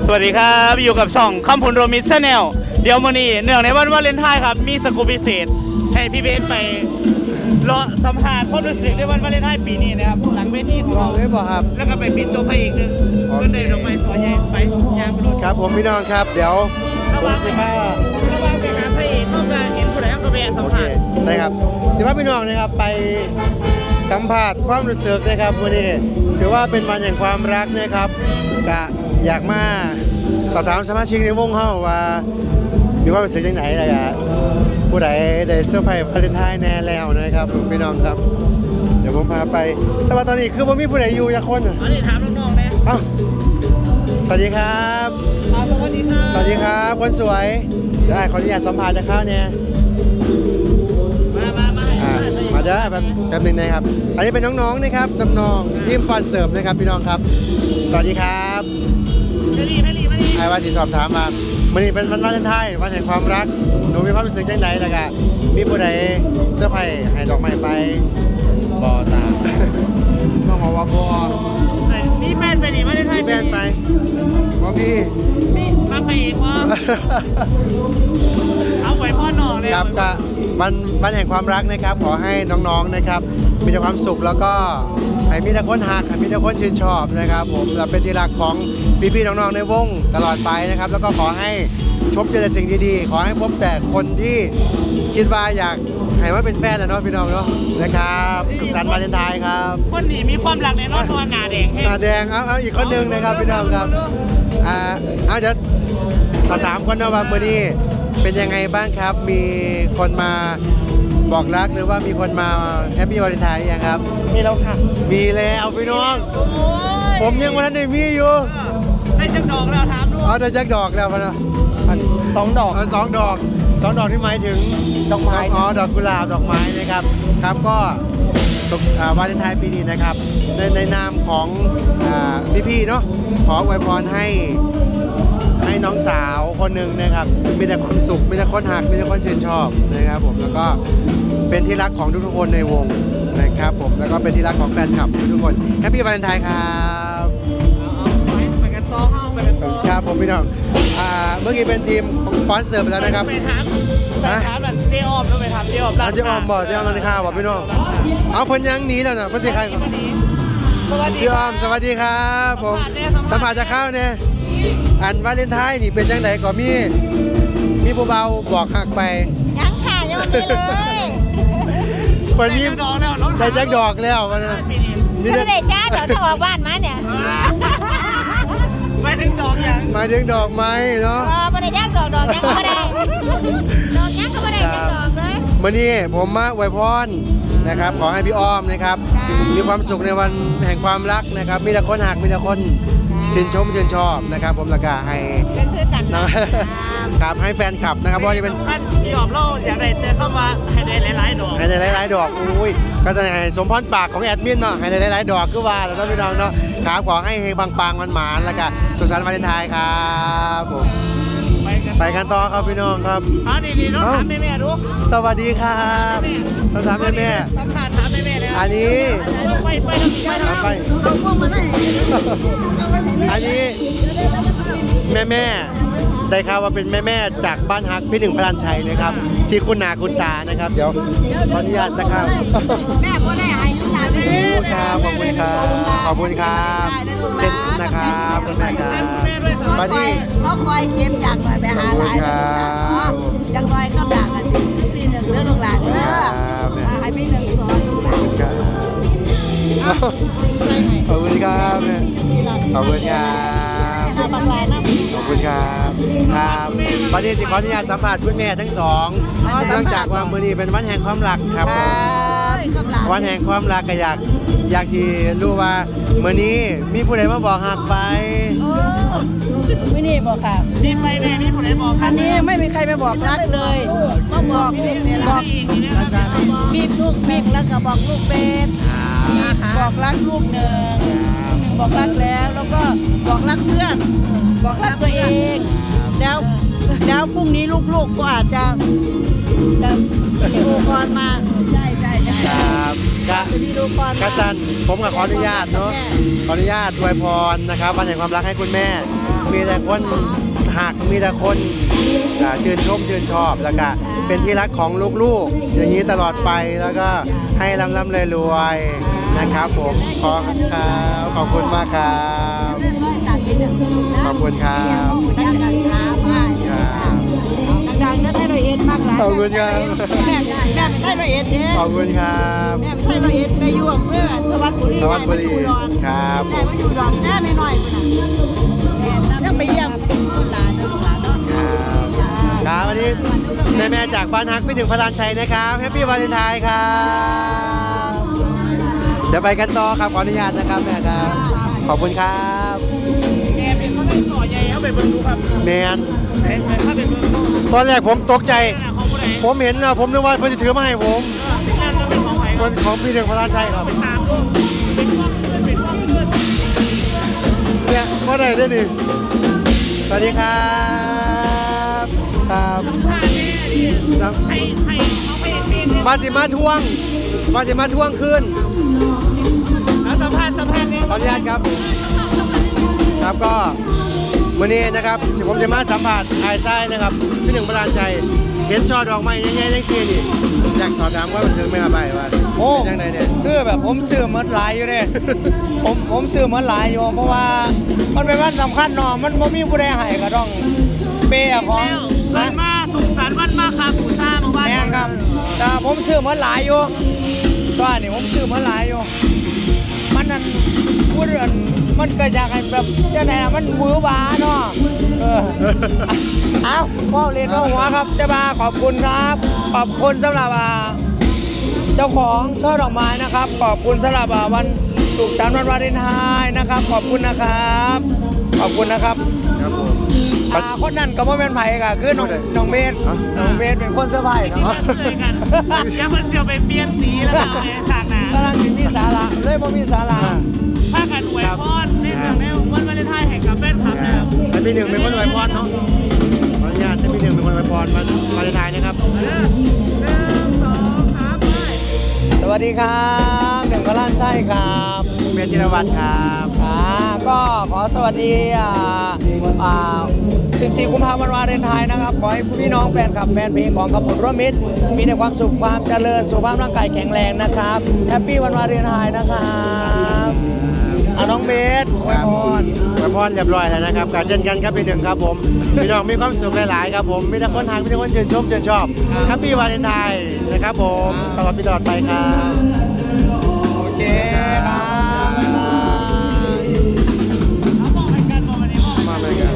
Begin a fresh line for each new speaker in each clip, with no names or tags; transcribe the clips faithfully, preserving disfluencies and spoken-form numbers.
สวัสดีครับอยู่กับช่องคำพลโรมิชแนลเดี๋ยวมื้อนี้เนื่องในวันวาเลนไทน์ครับมีสกู๊ปพิเศษให้พี่เบสไปรอสัมภาษณ์ความรู้สึกในวันวาเลนไทน์ปีนี้นะครับหลังเวทีของเรา
ได้บ่ครับ
แล้วก็ไปปิดตัวพระเอกหนึ่งเงินเดือนออกไปสวยใหญ่ไปยางไปดู
ครับผมพี่น้องครับเดี๋ยว
ระหว่าง
สิ
ไป
บห้า
ระหว่างไปหาพระเอกต้องการเห็นผู้ใดก็ไปสัม
โอเค
ภาษณ์
ได้ครับสิบห้าพี่น้องนะครับไปสัมผัสความรู้สึกนะครับวันนี้ถือว่าเป็นวันแห่งความรักนะครับกะอยากมาสอบถามสมาชิกในวงเฮาว่ามีความรู้สึกยังไงนะครผู้ใดได้เซอร์ไพรส์วาเลนไทน์แน่แล้วนะครับผมพี่น้องครับ เดี๋ยวผมพาไปแต่ว่าตอนนี้คือผมมีผู้ใดอยู่จักคนอ่ะ
อันนี้ถามน้องๆนะ
เอ้าสวัสดีครับ
ครับสวัสดีครับ
สวัสดีครับคนสวยได้ขออนุญาตสัมภาษณ์จะเข้าเนี่ย
มามามาให้
อ่า
สัมภาษณ์
มาเด้อแป๊บแป๊บหนึงนะครับ อันนี้เป็นน้องๆนะครับน้องๆทีมฟอนเสิร์ฟนะครับพี่น้องครับ สวัสดีครับ
ให้รีให้รีมารี
ไอ้ว่าสิสอบถามมาวันนี้เป็นวันวาเลนไทน์วันแห่งความรักหนูมีความรู้สึกจังไดล่ะกะมีผู้ใดเสื้อร์ไผ่ให้ดอกไม้ไปบอตาน้องบอกว่าบอ
มีแฟนไปดิวาเลนไท
มี
น์
แฟนไปบอพี่
มีมาพระเอกวะเอาไว้พ่อหน่อเลย
ครับก็วันวันแห่งความรักนะครับขอให้น้องๆนะครับมีแต่ความสุขแล้วก็ให้มีแต่คนหักให้มีแต่คนชื่นชอบนะครับผมและเป็นที่รักของพี่ๆน้องๆในวงตลอดไปนะครับแล้วก็ขอให้พบเจอแต่สิ่งดีๆขอให้พบแต่คนที่คิดว่าอยากให้มาเป็นแฟนนะเนาะพี่น้องเนาะนะครับสุขสันต์วาเลนไทน์ครับ
คนหนีมีความรักในนอนทอนหนาแดงแห้ง
ตาแดงเอาเอาอีกคนหนึ่งนะครับพี่น้องครับอ่าเอาเดี๋ยวสอบถามก่อนนะว่ามื้อนี้เป็นยังไงบ้างครับ มีคนมาบอกรักหรือว่ามีคนมาแฮปปี้วาเลนไทน์ยังครับ
มีแล้วค่ะ
มีแล้วพี่น้อง ผมยังวันนั้นได้มีอยู่
ได้จักดอกแล้วถามดู
เอาแต่แจ็คดอกแล้วพะนะ
สองดอก
เอาสองดอกสองดอกที่หมายถึง
ดอกไม้
อ๋อดอกกุหลาบดอกไม้นะครับครับก็สุขอ่าวาเลนไทน์ปีนี้นะครับในในนามของพี่าพี่ๆเนาะขออวยพรให้ให้น้องสาวคนหนึ่งนะครับมีแต่ความสุขมีแต่คนหักมีแต่คนชื่นชอบนะครับผมแล้วก็เป็นที่รักของทุกๆคนในวงนะครับผมแล้วก็เป็นที่รักของแฟนคลับทุกคนแฮปปี้วาเลนไทน์ครับ
ไปกันต่อห้องไปกันต่อ
ครับผมพี่น้องอ่าเมื่อกี้เป็นทีมของฟอนเสิร์ฟไปแล้วนะครับ
ไปถามไปถามแบบเจ๊อ้อมแล้วไปถามเจ๊อ้อม
เอาเจ๊อ้อมบอกเจ๊อ้อมมันจะฆ่าบอกพี่น้องเอาเพิ่นยังหนีแล้วนะเพิ่นสิใคร
สวัสดี
พี่อ้อมสวัสดีครับผมสัมภาษณ์จะเข้าเนี่ยอันวาเลนไทน์นี่เป็นจังไดก็มีมีผู้เบาบอกหักไป
ยังค่ะยังไม่เลย
เพิ่นมี
ดอกแล้วน้อง
ได้แจ็คดอกแล้วมันนะมี
ไม่
แต่
ได้จ้าเดี๋ยวจะออกบ้านมาเนี่ย
ไปถึงดอกอย่าง
หมายถึงดอกไม้เนาะ
เออไม่ได้จ้าดอกดอกยังก็ไม่ได้ดอกยังก็ไม่ได้จ้าดอกเลย
มื้อนี้ผมมาอวยพรนะครับขอให้พี่อ้อมนะครับ
ค่ะ
มีความสุขในวันแห่งความรักนะครับมีแต่คนหักมีแต่คนชื่นชมชื่นชอบนะครับผมแล้วก็ให้
ก็คือกัน
นะ ครับให้แฟนคลับนะครับเพราะว่าจะเป็น
ท่านพี่อ้อมเล่าอยากได้เจอเข้ามาให้ได้หลายๆดอก
ให้ได้หลายๆดอกอุ้ยก็จะให้สมพรปากของแอดมินเนาะให้ได้หลายๆดอกคือว่าแล้วเนาะพี่น้องเนาะครับขอให้เฮงปังๆมันหมานๆแล้วก็สุขสันต์วาเลนไทน์ครับผม
ไปกัน
ไปกันต่อครับพี่น้องครับ
เอาดีๆน้องถามแม่ๆดู
สวัสดีครับต้องถามแม่
สัมภาษณ์ถามแม่ๆเลย
ๆอันนี้
ไปไปทำไปทำ
ไปอันนี้แม่แม่ๆได้ข่าวว่าเป็นแม่แม่ๆจากบ้านฮักพี่หนึ่งพลันชัยนะครับ ที่คุณนาคุณตานะครับ เดี๋ยวขออนุญาตสักครั้ง
แม่ก็ได้ให้ลูกหลาน
ขอบคุณครับขอบคุณครับขอบคุณครับเช่นนะครับคุณแม่ครับมาที่
เขาคอยเก็บจากไปหาหลานจังลอยก็ด่ากันสิปีหนึ่งเรื่องลูกหลานเด้อให้ปีหนึ่งสอนลูกหลาน
ขอบคุณครับแม่ขอบคุณครับ
บางรายนะ
ขอบคุณครับครับวันนี้สิขออนุญาตสัมภาษณ์คุณแม่ทั้งสองเนื่องจากว่ามื้อนี้เป็นวันแห่งความรักครับผมวันแห่งความรักก็อยากอยากสิรู้ว่ามื้อนี้มีผู้ใดมาบอกหักไป
ไม่นี่บอกค่ะ
นี่ไปแม่นี่ผมได้บอก
อันนี้ไม่มีใครไปบอกรักเลยก็บอกบอก
อีกนี่นะครับ
บีบลูกบีบแล้วก็บอกลูกเป็นบีบบอกรักลูกหนึ่งหนึ่งบอกรักแล้วแล้วก็บอกรักเพื่อน บอกรักตัวเองแล้วแล้วพรุ่งนี้ลูกๆก็อาจจะจะดูกรมาใช่ใช่ใช่
ครับกะ
จะมีดูกร
กะสันผมก็ขออนุญาตเนาะขออนุญาตอวยพรนะครับวันแห่งความรักให้คุณแม่มีแต่คนหักมีแต่คนอ่าชื่นชมชื่นชอบแล้วก็เป็นที่รักของลูกๆอย่างนี้ตลอดไปแล้วก็ให้ร่ำร่ำรวยรวยๆนะครับผมขอครับขอบคุณมากครับ
เรื่องร้อยตัดเป็นหนึ่งนะ
ขอบคุณครับ
อยากกันถามว่าดังๆนั่นให้เราเอ็นมากหลาย
ขอบคุณครับ
แม่แม่ให้เราเอ็นเนี่ย
ขอบคุณครับ
แม่ให้เราเอ็นไปอยู่อำเภอสวัสดิ์บุรี
สวัสดิ์บุรี
ได้มาอยู่อุดร
ครับ
ได้มาอยู่อุดรแน่ไม่น้อยคนน่ะยังไปเยี่ยมหลานลูกหลานเนาะ
ครับครับวันนี้แม่แม่ๆจากบ้านฮักไปถึงพระรานชัยนะครับแฮปปี้วาเลนไทน์ครับเดี๋ยวไปกันต่อครับขออนุญาตนะครับแม่ครับขอบคุณครับ
แกเป็นเขาได้ต่อใหญ่เอาไปเบิ่งดูครับ
แมน
ไหนไหนถ้าเป็นเบิ่งดู
ตอนแรกผมตกใจ
ขนาดของผู้ใด
ผมเห็นนะผมนึกว่าเพิ่นจะถือมาให้ผม
เออนั่นก็เป็นของใคร
คนของพี่หนึ่งพระรานชัยครับ
ไปตามดูเป็นว่าเพื่อนเป็นว่าเพื่อน
เนี่ยว่าไหนได้นี่สวัสดีครับครับ
ผ่านแน่ดิให้ให้เขาไปเป็นเนี่ย
มาสิมาทวงมาสิมาทวงคืน
แล้วสัมภาษณ์สัมภาษณ์เนี่ย
ขออนุญาตครับ ครับก็วันนี้นะครับที่ผมจะมาสัมผัสไอ้ไส้นะครับพี่หนึ่งพระรานชัยเห็นช่อดอกไม้ใหญ่ๆเล็กๆนี่อยากสอบถามว่ามันซื้อไหมครับใบว่า
โอ้
เป็นยังไงเนี่ย
คือแบบผมซื้อเหมือนหลายอยู่เนี่ย ผมผมซื้อเหมือนหลายอยู่เพราะว่ามันเป็นวันสำคัญเนาะมันบ่มีผู้ใดให้ก็ต้องเปย์ของ
แล้วเกินมาสุขสันต์วันมาครับผู้ชาเมื่อวาน
แม่นครับแต่ผมซื้อเหมือนหลายอยู่ตัวนี่ผมซื้อเหมือนหลายอยู่ มันนั่นพูดเรื่องมันเกิดจากไอ้แบบจะไหนอะมันหวือหวาเนาะเออ เอาพ่อเรียนพ่อหัวครับเจ้าบ่าขอบคุณครับ ขอบคุณสำหรับอ่าเจ้าของช่อดอกไม้นะครับ ขอบคุณสำหรับอ่าวันสุขสันต์วันวาเลนไทน์นะครับ ขอบคุณนะครับ ขอบคุณนะครับ
ครับผม
อ่าคนนั้นก็บ่แม่นไผก็คือน้องน้องเบส
อ๋อ
น้องเบสเป็นคนเซอร์ไพรส์
ที่
เนาะ
มันเลยกันเสียเพิ่นเสียวไปเปลี่ยนสีแล้วก็เอาไปฉากหนา
กำลังสิมีสาระเลยบ่มีสาระ
ถ้ากันอวยพรในเรื่องในวันวาเลนไทน์ให้กับแฟนคลับ
ค
นะค
รั
รั
บบ ให้พี่หนึ่งเป็นคนอวยพรเนาะขออนุญาตให้พี่หนึ่งเป็นคนอวยพรวันวาเลนไทน์นะครับ
หนึ่งสองสามไป
สวัสดีครับหนึ่งกล้านใช่ครับ
เบนจิรวัตรครับ
อ่าก็ขอสวัสดีอ่าอ่าสิบสี่กุมภาพันธ์วันวาเลนไทน์นะครับ ขอให้พี่น้องแฟนคลับแฟนเพลงของขับผลร่วมมิตร มีแต่ความสุขความเจริญสุขภาพร่างกายแข็งแรงนะครับแฮปปี้วันวาเลนไทน์นะครับอ่าน้องเบสอวยพร
อวยพรเรียบร้อยแล้วนะครับก็เช่นกันครับพี่หนึ่งครับผมพี่น้องมีความสุขหลายๆครับผมมีแต่คนทางมีแต่คนชื่นชมชื่นชอบแฮปปี้วาเลนไทน์นะครับผมตลอดปีตลอดไปครับ
โอเคครับ
เอาบอกให้กันบอกวันนี้บอกให้
มาเลยครับ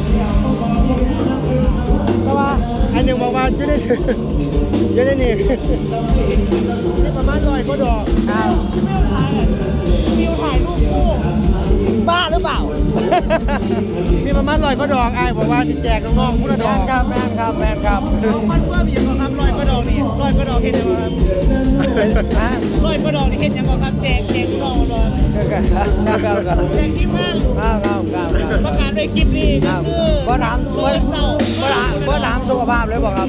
ก็ว่า
อันหนึ่งบอกว่าจะได้จะได้นี่นี่ประมาณร้อยก็ดอก
ครับ
ฟิวถ่ายรูปคู่
บ้าหรือเปล่า
มีประมาณร้อยก็ดอกไอ้ายบอกว่าสิแจกน้องๆผู้ละด
แม
อก
นครับแมนครับแมนครับ
เอามันเพื่อมีอย่างไรครับร้อยกระดอกนี่ร้อยกระดอกเห็นยังไงครับ
ฮะ
ร้อยกระดอกนี่เห็นยังไงครับแจกแจกกระดอกกระดอก
ครับครับครับ
แจกทีมงาน
ครับครับครับ
ประกาศในคลิปนี้
ค
ก็
รับ
คือ
บ่ถาม
เมื่
บ่
อเศร้า
บ่ถามบ่ถามสุขภาพเลยบอกครับ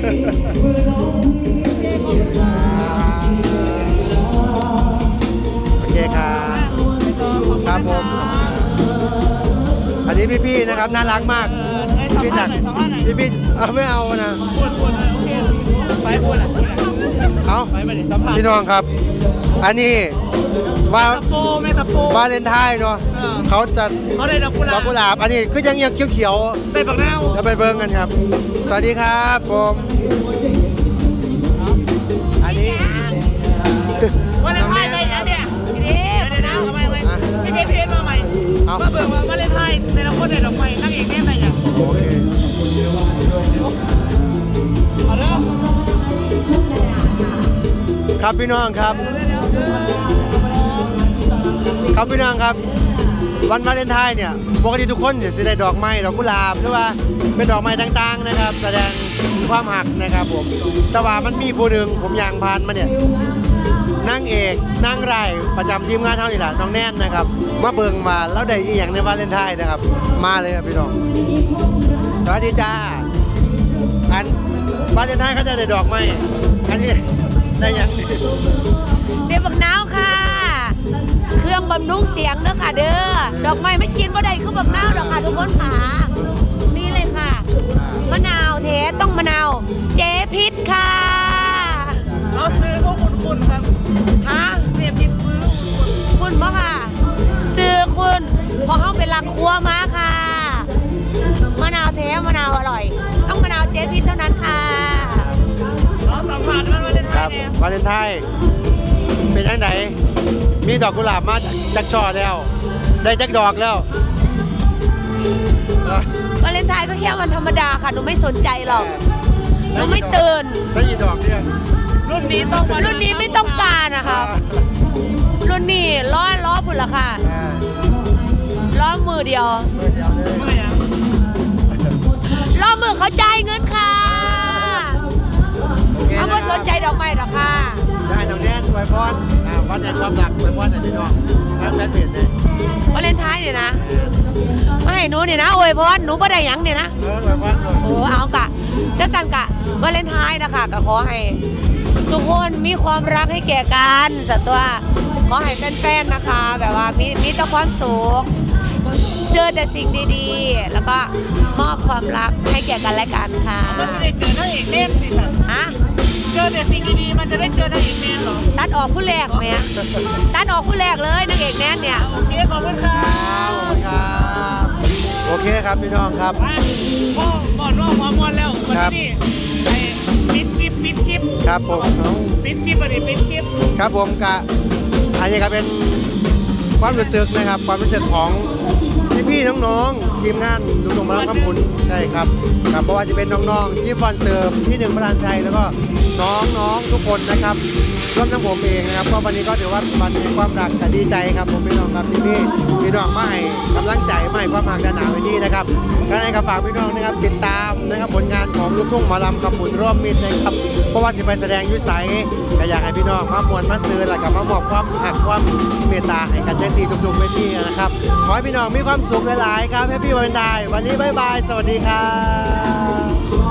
โอเคครับครับผมอันนี้พี่ๆนะครับน่ารักมากพี่จากพี่ๆเอาไม่เอานะ
พูดพูดโอเคไปพูดอ่ะพูดอ่ะ
เอา
ไปไปดิสัมภาษณ์
พี่น้องครับ อันนี้ว่า
ตะโปแม่ตะโป
วาเลนไทน์เนาะเขาจะ
เขาได้ดอกกุห
ด
ลา
อก
บ
กุหลาบอันนี้ก็ยังยังเขียว
ได้ปักแนว
ๆแล้วไปเบิ้งกันครับ สวัสดีครับผมอันนี้
วาเลนไทน์ได้ยังเนี่ย
นี่
เดี๋ยวนะทำไมทำไมพี่เป็นเพจมาใหม่มาเบิกว่าวาเลนไทน์ในละคนได้ดอกไม้นั่งเอกแน่ไหนอย่าง
โอเค
เอาเด้อ
ครับพี่น้องครับ ครับพี่น้องครับ วันวาเลนไทน์เนี่ยปกติทุกคนจะได้ดอกไม้ดอกกุหลาบหรือว่าเป็นดอกไม้ต่างๆนะครับ แสดงความหักนะครับผมแต่ว่ามันมีผู้หนึ่งผมยางพานมาเนี่ยนางเอกนางรายประจำทีมงานเท่านี่แหละน้องแน่นนะครับมาเบิ่งมาแล้วได้อีหยังในวาเลนไทน์นะครับ มาเลยครับพี่น้องสวัสดีจ้าอันวาเลนไทน์เขาจะได้ดอกไม้อันนี้ได้หยังนี่
เดี๋ยวบักนาวค่ะ เครื่องบำรุงเสียงเด้อค่ะเด้อ ดอกไม้ไม่กินบ่ได้คือบักนาวดอกค่ะทุกคนค่ะ
ครัวมาค่ะมะนาวแท้มะนาวอร่อย ต้องมะนาวเจ๊พิษเท่านั้นค่ะ
เราสัมผัสวันวาเลนไท
ครับ
น์เนี่ยว
าเลนไทน์เป็นยังไงมีดอกกุหลาบมาจักช่อแล้ว ได้จักดอกแล้วเอ้ยว
าเลนไทน์ก็แค่วันธรรมดาค่ะหนูไม่สนใจหรอกหนูไม่ตื่น
ได้กี่ดอกเนี่ย
รุ่นนี้ต้องมา
รุ่นนี้ไม่ต้องการนะคะรุ่นนี้ล้อล้อพุ่นละค่ะ
อ่า
ล้อมือเดียว
เมื่อเดียวเลย
เมื่อยัง
ล้อมือเขาจ่ายเงินค่ะ
โอเค
เขา
นะ
ไม่
ค
ส
รับ
นใจดอกไม้หรอกค่ะ
ได้น้องแนนอวยพรอ่าวันแห่งความรักอวยพรให้พี่น้องทางแฟนเพจเลยว
าเลนไทน์เนี่ยนะไม่ให้หนูเนี่ยนะโอ้ยเพราะว่าหนูไม่ได้หยังเนี่ยนะ
เอออวยพรเลย
โอ้เอากะจะสั่นกะวาเลนไทน์นะคะก็ขอให้ทุกคนมีความรักให้แก่กันสัตว์ตัวขอให้แฟนๆนะคะ แบบว่ามีมีแต่ความสุขเจอแต่สิ่งดีๆ แล้วก็มอบความรักให้แก่กันและกันค่ะ
มันจะได้เจอนางเอกเล่นสิสัน
ฮะ
เจอแต่สิ่งดีๆมันจะได้เจอนางเอกเล่นเหรอ
ตัดออกผู้แรกไหมอะตัดออกผู้แรกเลยนางเอกแน่นเนี่ย
โอเคขอบคุณครั
ครับ บขอบคุณครับโอเคครับพี่น้องครับ
ไปพ่อก่อนว่าหัวมวนแล้ววัน
ครับ
นี้ไอ้ปิดคลิปปิดคลิป
ครับผม
ปิดคลิปอันนี้ปิดคลิป
ครับผมกะอันนี้ก็เป็นความรู้สึกนะครับ ความรู้สึกของพี่ๆน้องๆทีมงานลุงตงมารับคำพุนใช่ครับครับเพราะว่าจะเป็นน้องๆที่ฟอนเสิร์ฟพี่หนึ่งประธานชัยแล้วก็น้องๆทุกคนนะครับรวมทั้งผมเองนะครับก็วันนี้ก็ถือว่าวันแห่งความรักก็ดีใจครับผมพี่น้องครับที่พี่พี่น้องมาให้กำลังใจมาให้ความหักด้านหนาไว้ที่นะครับก็ให้กับฝากพี่น้องนะครับติดตามนะครับผลงานของลูกทุ่งหมอลำคำพุนร่วมมิตรนะครับเพราะว่าสิไปแสดงอยุไสก็อยากให้พี่น้องมามวลมาซื้อแล้วก็มามอบความหักความเมตตาให้กันใจซีทุกๆเวทีนะครับขอให้พี่น้องมีความสุขหลายๆครับแฮปปี้วันไทน์วันนี้บ๊ายบายสวัสดีครับ